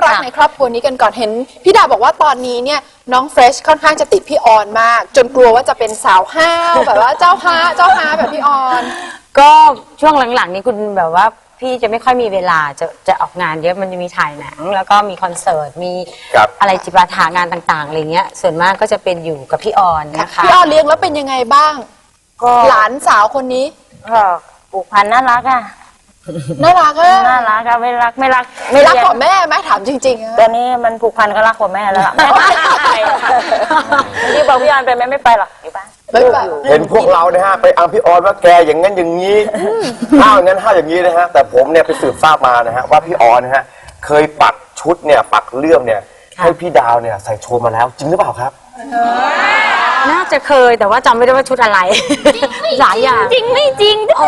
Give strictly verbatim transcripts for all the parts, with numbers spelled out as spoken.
รักในครอบครัวนี้กันก่อนเห็นพี่ดาบอกว่าตอนนี้เนี่ยน้องเฟรชค่อนข้างจะติดพี่ออนมากจนกลัวว่าจะเป็นสาวห้าวแบบว่าเจ้าฮาเจ้าฮาแบบพี่ออนก็ช่วงหลังๆนี้คุณแบบว่าพี่จะไม่ค่อยมีเวลาจะจะออกงานเยอะมันจะมีถ่ายหนังแล้วก็มีคอนเสิร์ตมีอะไรจิปาถางานต่างๆอะไรเงี้ยส่วนมากก็จะเป็นอยู่กับพี่ออนนะคะพี่ออนเลี้ยงแล้วเป็นยังไงบ้างหลานสาวคนนี้ก็ผูกพันน่ารักอ่ะน่ารักอะน่ารักอะไม่รักไม่รักไม่รักกว่าแม่ไหมถามจริงๆตอนนี้มันผูกพันก็รักกว่าแม่แล้วล่ะไม่ไปที่บอกพี่ออนไปไหมไม่ไปหรอกอยู่บ้านเห็นพวกเราเนี่ยฮะไปอังพี่ออนว่าแกอย่างนั้นอย่างนี้ห้าวอย่างนั้นห้าวอย่างนี้นะฮะแต่ผมเนี่ยไปสืบทราบมานะฮะว่าพี่ออนนะฮะเคยปักชุดเนี่ยปักเลื่อมเนี่ยให้พี่ดาวเนี่ยใส่โชว์มาแล้วจริงหรือเปล่าครับน่าจะเคยแต่ว่าจำไม่ได้ว่าชุดอะไรหลายอย่างจริงไม่จริงโอ้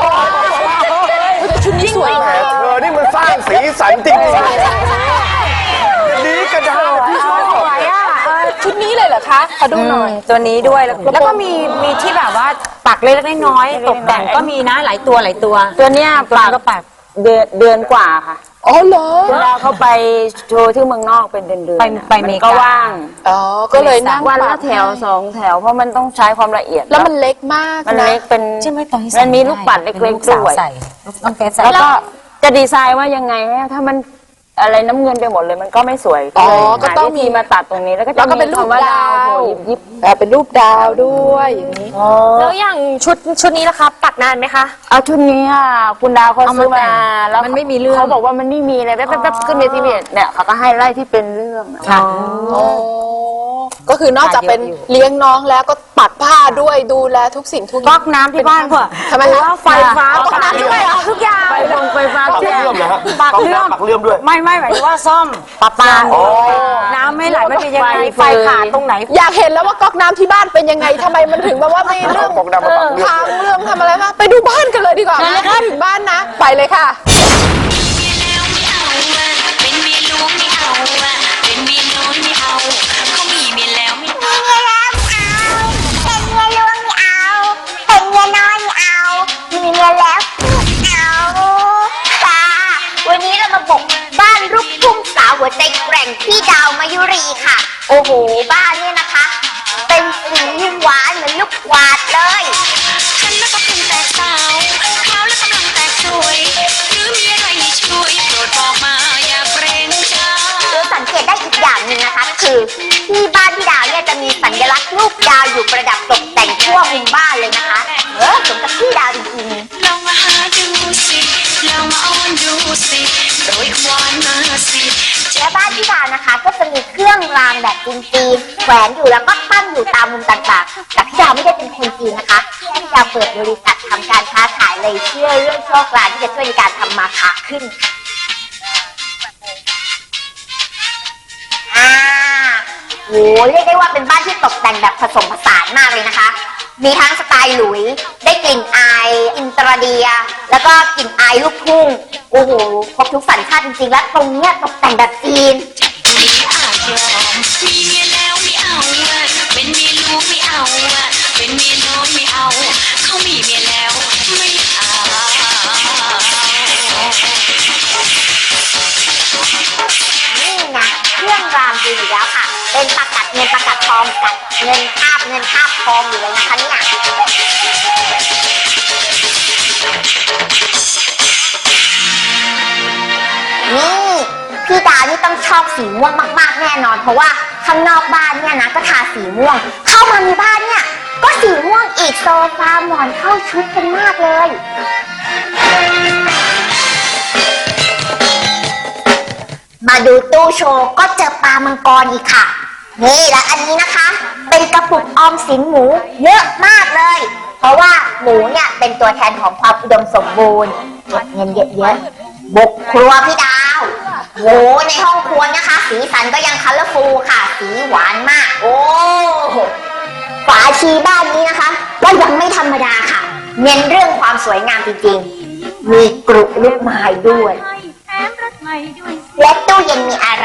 ชุดนี้สวยมากเธอนี่มันสร้างสีสันจริงๆนี้กระดาษพี่สวยอ่ะชุดนี้เลยเหรอคะขอดูหน่อยตัวนี้ด้วยแล้วก็มีมีที่แบบว่าปักเล็กๆน้อยๆตกแต่งก็มีนะหลายตัวหลายตัวตัวเนี้ยปักก็ปักเดือนเดือนกว่าค่ะอ๋อเหรอเวลาเขาไปโชว์ที่เมืองนอกเป็นเดือนเดือนไปไปเมกาก็ว่างอ๋อก็เลยนั่งวันละแถวสองแถวเพราะมันต้องใช้ความละเอียดแล้วมันเล็กมากมันเล็กเป็นใช่ไหมตอนนี้มันมีลูกปัดเล็กๆด้วยแล้วก็จะดีไซน์ว่ายังไงถ้ามันอะไรน้ำเงินไปหมดเลยมันก็ไม่สวยอ๋อก็ต้องมีมาตัดตรงนี้แล้วก็จะเป็นรูปดาวยิบๆเป็นรูปดาวด้วยอย่างนี้แล้วอย่างชุดชุดนี้ล่ะคะปักนานไหมคะเอาชุดนี้อ่ะคุณดาวเขาซื้อมาแล้วมันไม่มีเรื่องเขาบอกว่ามันไม่มีอะไรแป๊บๆขึ้นเวทีเนี่ยเขาก็ให้ไล่ที่เป็นเรื่องค่ะก็คือนอกจากเป็นเลี้ยงน้องแล้วก็ปักผ้าด้วยดูแลทุกสิ่งทุกอย่างก๊อกน้ำที่บ้านเพื่อทำไมคะไฟฟ้าก๊อกน้ำด้วยเอาทุกอย่างไฟลงไฟฟ้าปักเลื่อมเหรอฮะปักเลื่อมปักเลื่อมด้วยไม่ไม่หมายถึงว่าซ่อมปะปาน้ำไม่ไหลไม่เป็นยังไงไฟขาดตรงไหนอยากเห็นแล้วว่าก๊อกน้ำที่บ้านเป็นยังไงทำไมมันถึงแบบว่าไม่เรื่องทางเรื่องทำอะไรคะไปดูบ้านกันเลยดีกว่าไม่เข้าถึงบ้านนะไปเลยค่ะเป็นเมียหลวงไม่เอาเป็นเมียน้อยไม่เอาเขามีเมียแล้วไม่เอาเป็นเมียหลวงไม่เอาเป็นเมียน้อยไม่เอามีเมียแล้วไม่เอาค่ะวันนี้เรามาบุกบ้านลูกทุ่งสาวหัวใจแกร่งพี่ดาวมายุรีค่ะโอ้โหบ้านเนี่ยนะคะเป็นสีหวานเหมือนลูกกวาดเลยฉันแล้วก็เพิ่งแต่สาวขาวและกำลังแตกสวยหรือมีอะไรให้ช่วยโปรดบอกมาอย่าเกรงใจหรือสังเกตได้อีกอย่างหนึ่งนะคะคือที่บ้านพี่ดาวเนี่ยจะมีสัญลักษณ์รูปดาวอยู่ประดับตกแต่งทั่วมุมบ้านเลยนะคะเออสมกับพี่ดาวจริงๆลองมาหาดูสิลองมาอ้อนดูสิโดยควานมาสิและบ้านพี่ดาวนะคะก็จะมีเครื่องรางแบบจีนๆแขวนอยู่แล้วก็ตั้งอยู่ตามมุมต่างๆแต่พี่ดาวไม่ได้เป็นคนจีนนะคะพี่ดาวเปิดบริษัททำการค้าขายเลยเชื่อเรื่องโชคลางที่จะช่วยในการทำมาค้าขึ้นอ่าโหเรียกได้ว่าเป็นบ้านที่ตกแต่งแบบผสมผสานมากเลยนะคะมีทั้งสไตล์หลุยได้กลิ่นอายอินเตอร์เดียแล้วก็กลิ่นอายลูกทุ่งโอ้โหครบทุกสัญชาติจริงๆและตรงเนี้ยตกแต่งแบบจีนมีอาจยอมมีเมียแล้วไม่เอาเป็นเมียลูกไม่เอาเป็นเมียน้อยไม่เอาเขามีเมียแล้วไม่เอานี่นะเครื่องรางดีอยู่แล้วค่ะเป็นประกัดเงินประกัดทองกับเงินคาบเงินคาบทองอยู่เลยนะคะเนี่ยนี่พี่ดาวนี่ต้องชอบสีม่วงมากๆแน่นอนเพราะว่าข้างนอกบ้านเนี่ยนะก็ทาสีม่วงเข้ามาในบ้านเนี่ยก็สีม่วงอีกโซฟาหมอนเข้าชุดกันมากเลยมาดูตู้โชว์ก็เจอปลามังกรอีกค่ะนี่และอันนี้นะคะเป็นกระปุกออมสินหมูเยอะมากเลยเพราะว่าหมูเนี่ยเป็นตัวแทนของความอุดมสมบูรณ์เก็บเงินเยอะๆบุกครัวพี่ดาวโหในห้องครัวนะคะสีสันก็ยังคัลเลอร์ฟูลค่ะสีหวานมากโอ้ฝาชีบ้านนี้นะคะก็ยังไม่ธรรมดาค่ะเน้นเรื่องความสวยงามจริงๆมีกรุลูกไม้ด้วยและตู้เย็นมีอะไร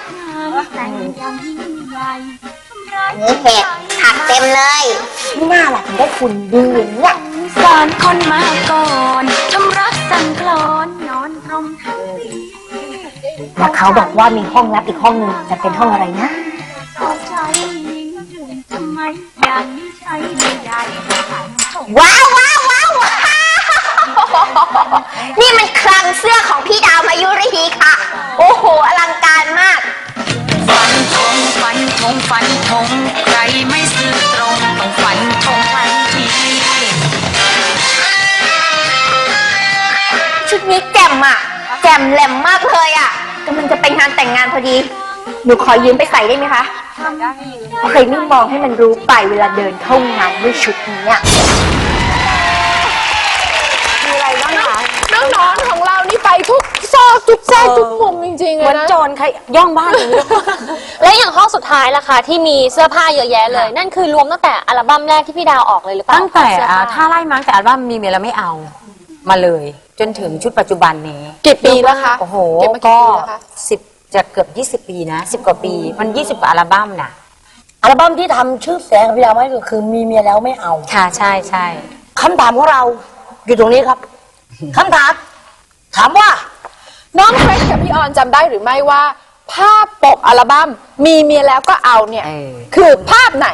นี่เห็ดผักเต็มเลยไม่น่าล่ะถึงได้คุณดีอย่างเนี้ยสอนคนมาก่อนทำรักสั่งคลอนนอนตรงเธอแล้วเขาบอกว่ามีห้องลับอีกห้องหนึงจะเป็นห้องอะไรนะ ว้าวว้าวว้าวว้าวนี่มันคลังเสื้อของพี่ดาวมายุรีค่ะ โอ้โห อลังการมากฟันธงฟันธงฟันธงใครไม่ซื่อตรงต้องฟันธงทันทีชุดนี้แจ่มอ่ะ แจ่มแหลมมากเลยอ่ะกำลังจะไปงานแต่งงานพอดี หนูขอยืมไปใส่ได้ไหมคะเคยไม่มองให้มันรู้ไปเวลาเดินเข้างานด้วยชุดนี้อ่ะน้องนอนของเรานี่ไปทุกซอกทุกแทรกทุกมุมจริงๆเหเลมือย นนะโจรใครย่องบ้านอย่างนี้และอย่างห้องสุดท้ายล่ะคะที่มีเสื้อผ้าเยอะแยะเลย นั่นคือรวมตั้งแต่อัลบั้มแรกที่พี่ดาวออกเลยหรือเปล่าตั้งแต่เสื้ออ่าผ้าถ้าไล่มาตั้งแต่อัลบั้มมีเมียแล้วไม่เอามาเลย จนถึงชุดปัจจุบันนี้กี่ปีแล้วคะโอ้โหเก็บมากี่ก็ปีแล้วคะสิบจะเกือบยี่สิบปีนะสิบกว่าปีมันยี่สิบกว่าอัลบั้มน่ะอัลบั้มที่ทำชื่อเสียงของพี่ดาวไว้ก็คือมีเมียแล้วไม่เอาค่ะใช่ใช่คำถามของเราอยู่ตรงนี้ครับ คำถาม ถามว่าน้องเฟรชกับพี่ออนจำได้หรือไม่ว่า ภาพปกอัลบั้มมีเมียแล้วก็เอาเนี่ยเออคือภาพไหน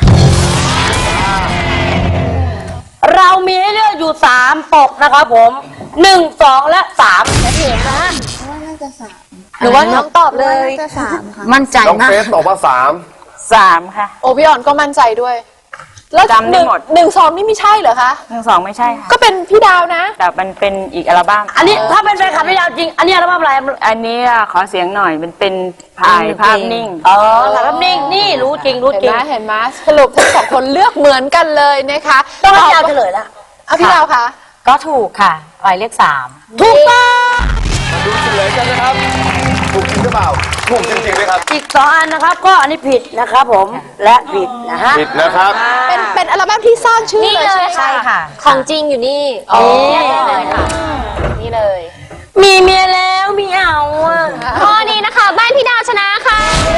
เรามีให้เลือกอยู่สามปกนะครับผมหนึ่งสองและสามเห็นนะหรือว่าน้องตอบเลยมั่นใจน้องมากเฟสตอบว่าสามสามค่ะโอพี่ออนก็มั่นใจด้วย แล้วจำได้หมดนึ่งหนึ่งสองนี่ไม่ใช่เหรอคะทั้งสองไม่ใช่ค่ะก็เป็นพี่ดาวนะแต่มันเป็นอีกอัลบั้มอันนี้ถ้าเป็นแฟนคลับพี่ดาวจริง อันนี้อัลบั้มอะไรอันนี้อ่ะขอเสียงหน่อยมันเป็นถ่ายภาพนิ่งอ๋อถ่ายภาพนิ่งนี่รู้จริงรู้เห็นจริไหงมเห็นไหมสรุปทั้งสองคนเลือกเหมือนกันเลยนะคะต้องให้พี่ดาวตเฉอบลยละเอาพี่ดาวคะก็ถูกค่ะหมายเลขสามถูกต้องมาดูเฉลยกันนะครับ ถูกจริงหรือเปล่า ถูกจริงๆไหมครับอีกสองอันนะครับ ก็อันนี้ผิดนะครับผมและผิดนะฮะผิดนะครับเป็นเป็นอัลบั้มที่สร้างชื่อนี่เลยเลใช่ยไหมค่ะคะค่ะของจริงอยู่นี่อ๋อนี่เลยค่ะ นี่เลยมีเมียแล้วไม่เอาอ่ะข้อนี้นะคะ บ้านพี่ดาวชนะค่ะ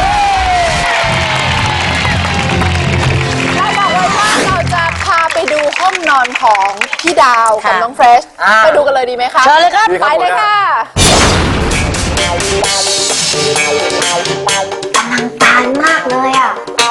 เราบอกไว้ว่าเราจะพาไปดูห้องนอนของพี่ดาวกับค่ะน้องเฟรชอ่าไปดูกันเลยดีไหมคะเชิญเลยครับดีคไปรับเลยค่ะตานมากเลยอ่ะ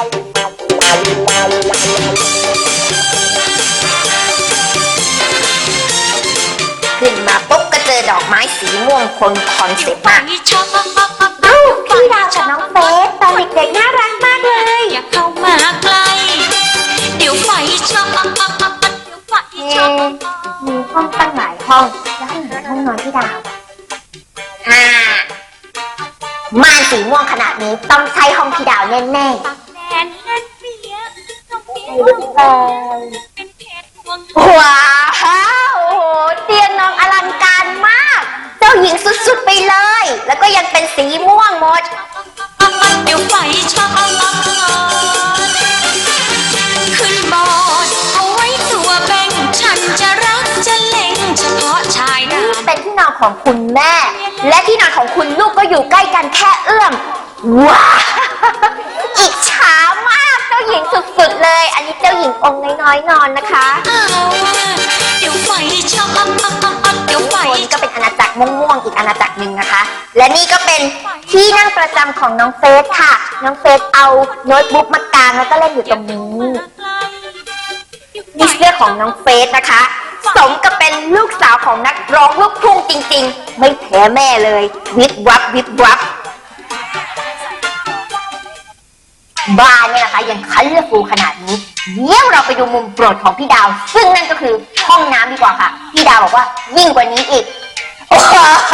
ขึ้นมาปุ๊บก็เจอดอกไม้สีม่วงคนคอนเซ็ปต์มากชอบเอ้าพี่ดาวกับน้องเฟสตอนเด็กๆน่ารักมากเลยอย่าเข้ามาใกล้ เดี๋ยวไฟช็อตเดี๋ยวไฟเอ๊ช็อตะมีห้องตั้งหลายห้อง แล้วห้องไหนห้องนอนพี่ดาวฮ่าม่านสีม่วงขนาดนี้ต้องใช้ห้องพี่ดาวแน่แดนเล่นเปียกต้องเปียกเป็นเพชรพวงๆว้าวโอ้โหเตียงนอนอลังการมาก เจ้าหญิงสุดๆไปเลย แล้วก็ยังเป็นสีม่วงหมดเดี๋ยวไฟช็อตขึ้นบอร์ดเอาไว้ตัวแบ่งฉันจะรักจะเล็งเฉพาะชายดนี่เป็นที่นอนของคุณแม่ และที่นอนของคุณลูกก็อยู่ใกล้กันแค่เอื้อม ว้าวอิจฉามากเจ้าหญิงสุดๆเลย อันนี้เจ้าหญิงองค์น้อยๆนอนนะคะำเอาเดี๋ยวไฟช็อตเดี๋ยวไฟโซนนี้ก็เป็นอาณาจักรม่วงๆอีกอาณาจักรหนึ่งนะคะ และนี่ก็เป็นที่นั่งประจำของน้องเฟสค่ะ น้องเฟสเอาโน้ตบุ๊กมากางแล้วก็เล่นอยู่ตรงนี้ นี่เสื้อของน้องเฟสนะคะ สมกับเป็นลูกสาวของนักร้องลูกทุ่งจริงๆ ไม่แพ้แม่เลย วิบวับวิบวับบ้านเนี่ยนะคะยังคันเลือกฟูขนาดนี้เดี๋ยวเราไปดูมุมโปรดของพี่ดาว ซึ่งนั่นก็คือห้องน้ำดีกว่าค่ะ พี่ดาวบอกว่ายิ่งกว่านี้อีก โอ้โห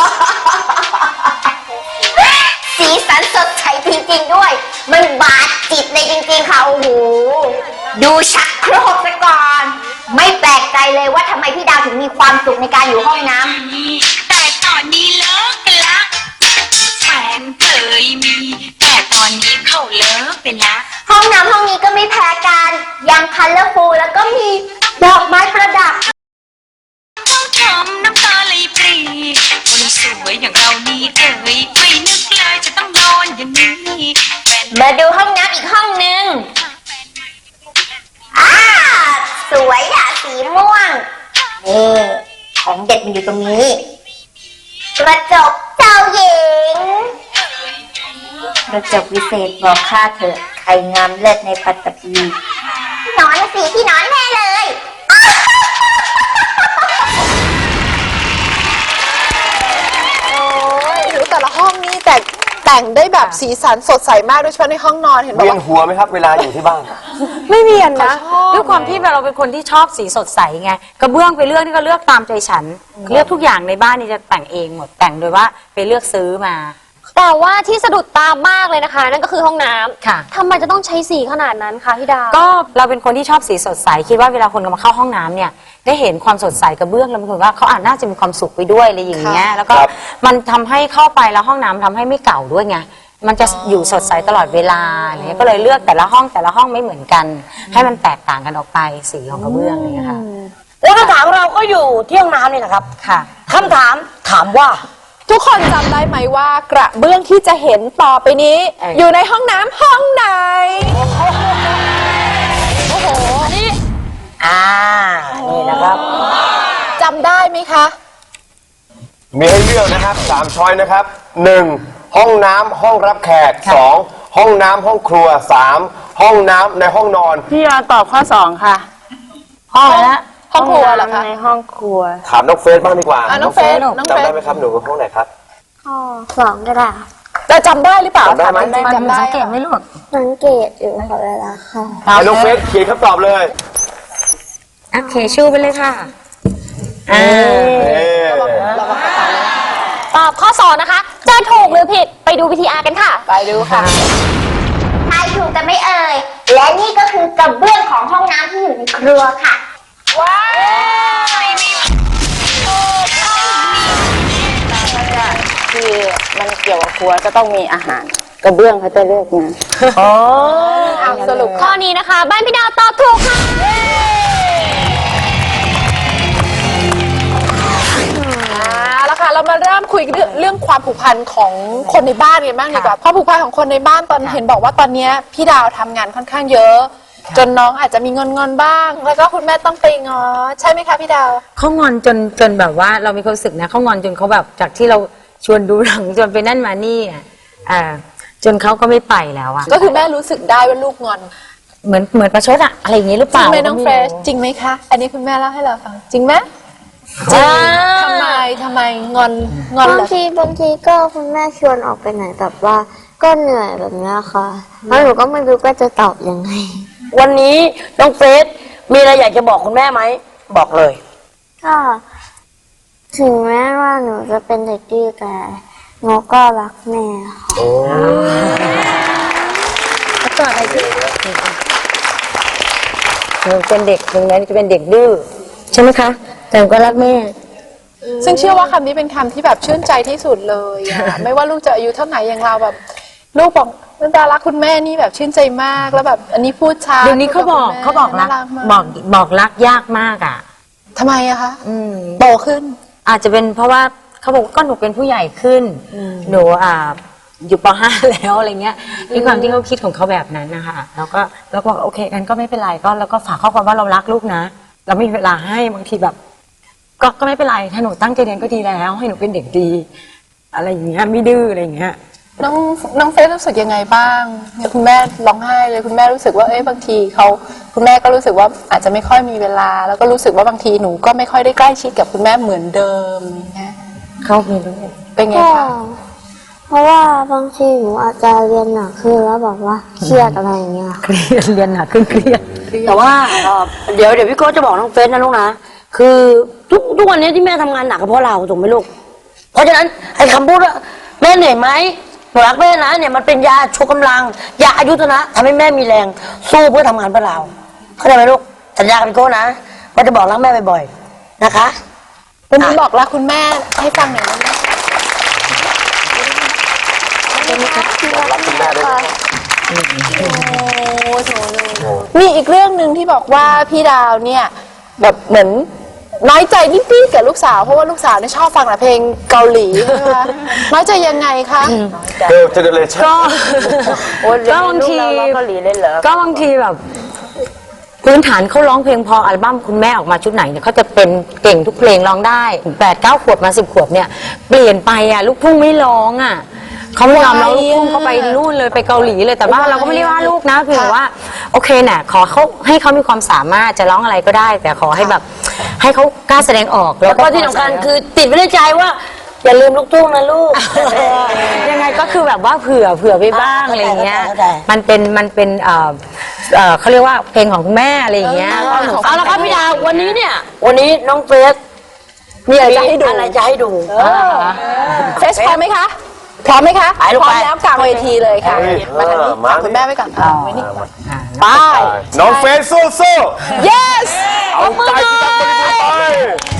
สีสันสดใสจริงๆด้วย มันบาดจิตเลยจริงๆค่ะโอ้โหดูชักโครกซะก่อน ไม่แปลกใจเลยว่าทำไมพี่ดาวถึงมีความสุขในการอยู่ห้องน้ำแต่ตอนนี้เลิกกันละแฟนเคยมี แต่ตอนนี้เขาเลิกไปละห้องน้ำห้องนี้ก็ไม่แพ้กันยังคันเลอร์ฟูลแล้วก็มีดอกไม้ประดับต้องทำน้ำตาไหลปรีคนสวยอย่างเรานี่เอ่ยไม่นึกเลยจะต้องโดนอย่างนี้แฟนมาดูห้องน้ำอีกห้องหนึ่งอ่าสวยอะสีม่วง นี่ของเด็ดมันอยู่ตรงนี้ กระจกเจ้าหญิงกระจกวิเศษบอกข้าเถอะใครงามเลิศในปัตตภีนอนสิพี่นอนแน่เลยโอ้ยแต่ละห้องนี่แต่แต่งได้แบบสีสันสดใสมากโดยเฉพาะในห้องนอนเห็นบอกเวียนว่าหัวไหมครับเวลาอยู่ที่บ้านไม่เวียนนะเขาชอบด้วยความที่เราเป็นคนที่ชอบสีสดใสไงกระเบื้องไปเลือกนี่ก็เลือกตามใจฉัน เลือกทุกอย่างในบ้านนี่จะแต่งเองหมดแต่งโดยว่าไปเลือกซื้อมาแต่ว่าที่สะดุดตามากเลยนะคะ นั่นก็คือห้องน้ำค่ะทำไมจะต้องใช้สีขนาดนั้นคะพี่ดาวก็เราเป็นคนที่ชอบสีสดใสคิดว่าเวลาคนมาเข้าห้องน้ำเนี่ยได้เห็นความสดใสกระเบื้องแล้วมันคือว่าเขาอาจน่าจะมีความสุขไปด้วยอะไรอย่างเงี้ยแล้วก็ครับมันทำให้เข้าไปแล้วห้องน้ำทำให้ไม่เก่าด้วยไงมันจะอยู่สดใสตลอดเวลาอะไรเงี้ยก็เลยเลือกแต่ละห้องแต่ละห้องไม่เหมือนกัน ให้มันแตกต่างกันออกไปสีของกระเบื้องอะไรเงี้ยค่ะแล้วคำถามเราก็อยู่ที่ห้องน้ำนี่แหละครับค่ะคำถามถามว่าทุกคนจำได้ไหมว่ากระเบื้องที่จะเห็นต่อไปนี้เอ่ออยู่ในห้องน้ำห้องไหน โอ้โห นี่อ่า นี่นะครับจำได้ไหมคะมีให้เลือกนะครับสามช้อยนะครับหนึ่งห้องน้ำห้องรับแขกสองห้องน้ำห้องครัวสามห้องน้ำในห้องนอนพี่ยอนตอบข้อสองค่ะ ห้องละห้องครัวเหรอคะในห้องครัวถามน้องเฟสบ้างดีกว่าอ่ะน้องเฟสน้องเฟจำสได้ไหมครับหนูห้องไหนครับข้อสองก็ได้แต่จำได้หรือเปล่าจำได้ไหมถาจริงๆจำได้สังเกตไหมลูกสังเกตอยู่ค่ะเวลาค่ะให้น้องเฟสเขียนคำตอบเลยโอเคชูไปเลยค่ะอ่าเอ๊ะตอบข้อสองนะคะ จะถูกหรือผิดไปดูวิทีอาร์กันค่ะไปดูค่ะทายถูกแต่ไม่เอ่ย และนี่ก็คือกระเบื้องของห้องน้ำที่อยู่ในครัวค่ะว้าวที่มันเกี่ยวกับครัวจะต้องมีอาหาร กระเบื้องเขาจะเลือกมาอ๋ออ่ะสรุปข้อนี้นะคะ บ้านพี่ดาวตอบถูกค่ะเอาละค่ะ เรามาเริ่มคุยเรื่องเรื่องความผูกพันของคนในบ้านกันบ้างดีกว่าความผูกพันของคนในบ้านตอนเห็นบอกว่าตอนเนี้ยพี่ดาวทำงานค่อนข้างเยอะ จนน้องอาจจะมีเงินเงินๆบ้าง แล้วก็คุณแม่ต้องไปง้อใช่ไหมคะพี่ดาวเขางอนจนจนแบบว่าเรามีความรู้สึกนะเขางอนจนเขาแบบจากที่เราชวนดูหนังจนไปนั่นมานี่อ่ะอ่าจนเขาก็ไม่ไปแล้วอ่ะก็คือแม่รู้สึกได้ว่าลูกงอนเหมือนเหมือนประชดอะอะไรอย่างนี้หรือเปจริล่างไหมน้องเฟรชจริงไหมคะ อันนี้คุณแม่เล่าให้เราฟังจริงไหมจริงทำไมทำไมงอนงอนบาเหงรอทีบางทีก็คุณแม่ชวนออกไปไหนแบบว่าก็เหนื่อยแบบเนี้ยค่ะแล้วหนูก็ไม่รู้ว่าจะตอบยังไงวันนี้น้องเฟสมีอะไรอยากจะบอกคุณแม่ไหม บอกเลยก็ถึงแม้ว่าหนูจะเป็นเด็กดื้อแต่หนูก็รักแม่ค่ะหนูเป็นเด็กถึงแม้จะเป็นเด็กดื้อใช่ไหมคะแต่หนูก็รักแม่ซึ่งเชื่อว่าคำนี้เป็นคำที่แบบชื่นใจที่สุดเลยอะ ไม่ว่าลูกจะอายุเท่าไหร่อย่างเราแบบ ลูกบอกนันดารักคุณแม่นี่แบบชื่นใจมากแล้วแบบอันนี้พูดช้าเดี๋ยวนี้เขาบอกพูดเขาบอกรักน่มบอกบอกรักยากมากอ่ะทำไมอะคะอืมโตขึ้นอาจจะเป็นเพราะว่าเขาบอกว่าก็หนูเป็นผู้ใหญ่ขึ้นหนูอ่าอยู่ป ห้า แล้วอะไรเงี้ยด้วยความที่เขาคิดของเขาแบบนั้นนะคะแล้วก็แล้วก็บอกโอเคกันก็ไม่เป็นไรก็แล้วก็ฝากข้อความว่าเรารักลูกนะ เราไม่มีเวลาให้บางทีแบบ ก็ก็ไม่เป็นไรถ้าหนูตั้งใจเรียนก็ดีแล้ว ให้หนูเป็นเด็กดี อะไรอย่างเงี้ยไม่ดื้ออะไรอย่างเงี้ยน้องน้องเฟซรู้สึกยังไงบ้างเนี่ยคุณแม่ร้องไห้เลยคุณแม่รู้สึกว่าเอ้ยบางทีเขาคุณแม่ก็รู้สึกว่าอาจจะไม่ค่อยมีเวลา แล้วก็รู้สึกว่าบางทีหนูก็ไม่ค่อยได้ใกล้ชิดกับคุณแม่เหมือนเดิมอย่างเงี้ยเขามีลูกเป็นไงก็คะเพราะว่าบางทีหนูอาจจะเรียนหนักขึ้นแล้วแบบว่าเครียดอะไรอย่างเงี้ยเครียดเรียนหนักขึ้นเครียดแต่ว่าเอ่อเดี๋ยวเดี๋ยวพี่โก้จะบอกน้องเฟสนะลูกนะ คือทุกทุกวันนี้ที่แม่ทำงานหนักก็เพราะเราถูกไหมลูก เพราะฉะนั้นไอ้คำพูดว่าแม่เหนื่อยไหมหนูรักแม่นะเนี่ยมันเป็นยาชูกำลังยาอายุทนะทำให้แม่มีแรงสู้เพื่อทำงานเพื่อเราเข้าใจไหมลูกสัญญากับพี่โก้นะว่าจะบอกรักแม่บ่อยๆนะคะวันนี้บอกรักคุณแม่ให้ฟังหน่อยได้ไหมรักคุณแม่ด้วยมีอีกเรื่องหนึ่งที่บอกว่าพี่ดาวเนี่ยแบบเหมือนน้อยใจนิดๆกับลูกสาวเพราะว่าลูกสาวเนี่ยชอบฟังแต่เพลงเกาหลีใช่ไหมคะน้อยใจยังไงคะเกิร์ลเจเนเรชั่นก็โอ้ยก็บางทีลูกเราร้องเกาหลีเลยเหรอก็บางทีแบบพื้นฐานเขาร้องเพลงพออัลบั้มคุณแม่ออกมาชุดไหนเนี่ยเขาจะเป็นเก่งทุกเพลงร้องได้แปดเก้าขวบมาสิบขวบเนี่ยเปลี่ยนไปอ่ะลูกทุ่งไม่ร้องอ่ะเขาไม่ยอมร้องลูกทุ่งเขาไปนู่นเลยเลยไปเกาหลีเลยแต่ว่าเราก็ไม่ได้ว่าลูกนะคือว่าโอเคน่ะขอเขาให้เขามีความสามารถจะร้องอะไรก็ได้ แต่ขอให้แบบให้เขากล้าแสดงออกแล้วก็ที่สำคัญคือติดไว้ในใจว่า อย่าลืมลูกทุ่งนะลูกยังไงก็คือแบบว่าเผื่อเผื่อไปบ้างอะไรเงี้ยเข้าใจมันเป็นมันเป็นเอ่อเอ่อเขาเรียกว่าเพลงของคุณแม่อะไรอย่างเงี้ยเอาละครับพี่ดาววันนี้เนี่ย วันนี้น้องเฟสมีอะไรจะให้ดูอะไรจะให้ดูเฟสพร้อมไหมคะพร้อมไหมคะไปลูกพร้อมไปแล้วกลางเวทีเลยค่ะเฮ้ยมาทางนี้มาฝากคุณแม่ไว้ก่อนเอาไว้นี่ก่อนไปน้องเฟซสู้สู้ yes เอาใจที่ทำบริบูรณ์ไป